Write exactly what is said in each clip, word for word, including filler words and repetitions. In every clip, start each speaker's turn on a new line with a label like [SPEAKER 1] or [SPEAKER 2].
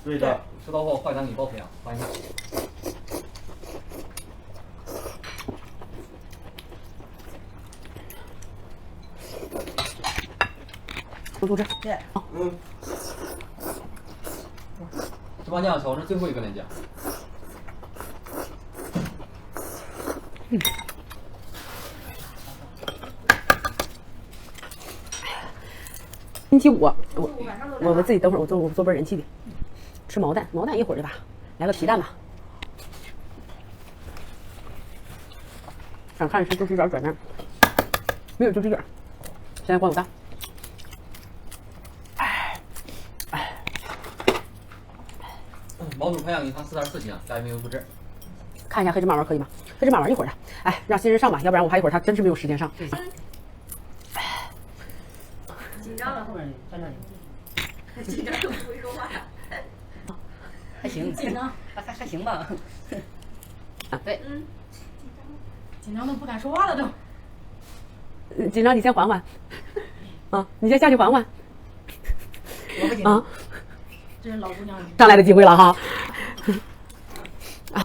[SPEAKER 1] 对的，吃到后坏蛋给报平，欢迎。
[SPEAKER 2] 多多吃。
[SPEAKER 3] 对。
[SPEAKER 1] 嗯。芝麻酱调是最后一个链接。
[SPEAKER 2] 嗯。星期五，我我我自己等会儿我做我做杯人气的，吃毛蛋，毛蛋一会儿对吧？来个皮蛋吧。想看吃就吃点转蛋，没有就吃点。现在光有蛋。
[SPEAKER 1] 毛肚培养一汤四点四斤，家里没有不治。
[SPEAKER 2] 看一下黑芝麻丸可以吗？黑芝麻丸一会儿的，哎，让新人上吧，要不然我还一会儿他真是没有时间上。
[SPEAKER 3] 紧张了，后面在那里。紧张都不会说话。还行，紧张，还还还行吧。对，嗯。
[SPEAKER 4] 紧张都不敢说话了都。
[SPEAKER 2] 紧张你先缓缓，啊，你先下去缓缓。
[SPEAKER 3] 我不紧张。
[SPEAKER 2] 啊，
[SPEAKER 4] 这是老姑娘
[SPEAKER 2] 上来的机会了哈。啊。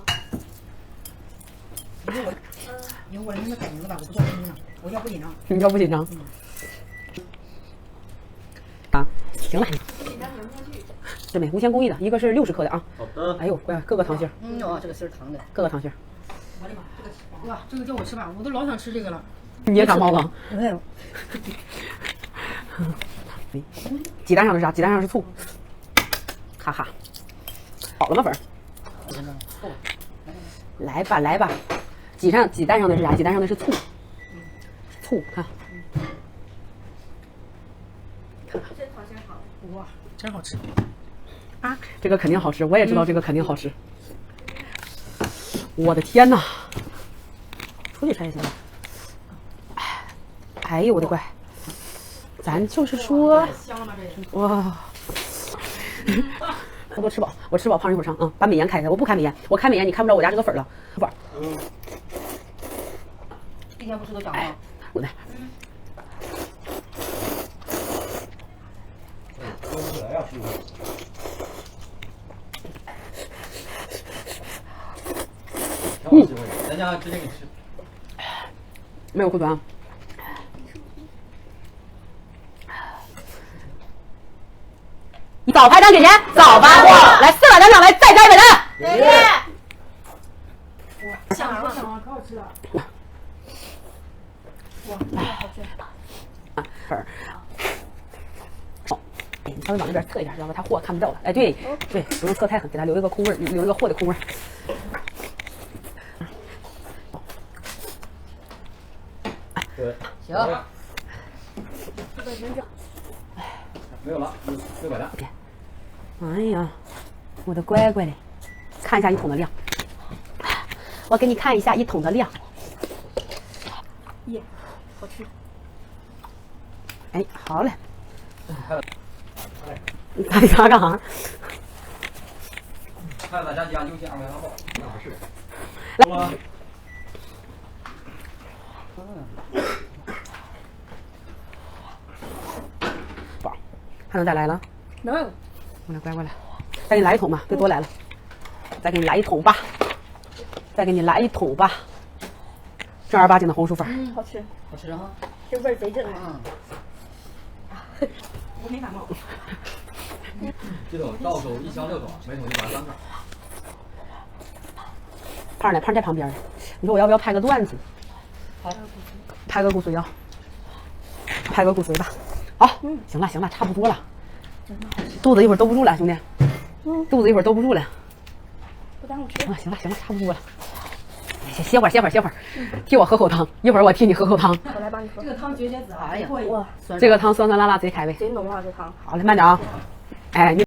[SPEAKER 3] 以后我那么改名字吧，我不叫紧张，我叫不紧张。
[SPEAKER 2] 你叫不紧张？啊，行了。
[SPEAKER 4] 紧张粘不上去。
[SPEAKER 2] 这没无铅工艺的，一个是六十克的啊。
[SPEAKER 1] 好的。
[SPEAKER 2] 哎呦，乖，各个糖心儿。
[SPEAKER 3] 嗯哦，这个芯儿糖的。
[SPEAKER 2] 各个糖心儿。
[SPEAKER 3] 我的妈，这个
[SPEAKER 4] 哇，这个叫我吃吧，我都老想吃这个了。
[SPEAKER 2] 你也长毛了。
[SPEAKER 3] 没有。
[SPEAKER 2] 鸡蛋上的是啥？鸡蛋上是醋。哈哈。好了吗，粉儿？来吧，来吧。鸡上鸡蛋上的是啥？鸡蛋上的是醋。醋，看。
[SPEAKER 4] 这好像好。哇，真好吃。
[SPEAKER 2] 啊，这个肯定好吃，我也知道这个肯定好吃。我的天哪！出去拆一下吧。哎呦我的乖！咱就是说，
[SPEAKER 4] 香了吗？这
[SPEAKER 2] 哇！我多吃饱，我吃饱胖一会儿上啊！把美颜开开，我不开美颜，我开美颜你看不着我家这个粉了，粉。
[SPEAKER 3] 嗯。一天不吃都长吗？
[SPEAKER 2] 我来。
[SPEAKER 1] 说不来呀，师傅。挺好机会，咱家直接给你吃。
[SPEAKER 2] 没有库存啊。早拍单给钱，早发货，来四百单上来，再加一百单。
[SPEAKER 4] 谢谢。哇，香了香了，可好吃了。哇，这个好吃。
[SPEAKER 2] 粉儿。好，哎，你稍微往那边侧一点，要不然他货看不到了。哎，对对，不用侧太狠，给他留一个空位，留一个货的空位。
[SPEAKER 1] 对。
[SPEAKER 3] 行。
[SPEAKER 1] 没有了，六百单。
[SPEAKER 2] 哎呀，我的乖乖嘞，看一下一桶的量。我给你看一下一桶的量。
[SPEAKER 4] 耶，好吃。
[SPEAKER 2] 哎，好嘞。你看你干啥？
[SPEAKER 1] 看大家家优先二百八号，那不是。
[SPEAKER 2] 来。宝，还能再来了？
[SPEAKER 4] 能。
[SPEAKER 2] 过来，乖过来，再给你来一桶吧，别多来了。再给你来一桶吧，再给你来一桶吧。正儿八经的红薯粉。
[SPEAKER 4] 嗯，好吃。
[SPEAKER 3] 好吃哈。
[SPEAKER 4] 这味儿贼正
[SPEAKER 3] 啊。
[SPEAKER 4] 我没感冒。
[SPEAKER 1] 这种到手一箱六桶，每桶一百三克。
[SPEAKER 2] 胖儿呢？胖儿在旁边。你说我要不要拍个段子？
[SPEAKER 3] 好。
[SPEAKER 2] 拍个骨髓啊！拍个骨髓吧。好，行了行了，差不多了。肚子一会儿兜不住了，兄弟。肚子一会儿兜不住了。
[SPEAKER 4] 不耽误吃。
[SPEAKER 2] 啊，行了行了，差不多了。歇歇会儿歇会儿歇会儿，替我喝口汤，一会儿我替你喝口汤。
[SPEAKER 4] 我来帮你喝。这个汤绝绝子啊！
[SPEAKER 3] 哎呀，
[SPEAKER 4] 哇，
[SPEAKER 2] 这个汤酸酸辣辣贼开胃。
[SPEAKER 4] 贼浓啊，这汤。
[SPEAKER 2] 好嘞，慢点啊。哎，你。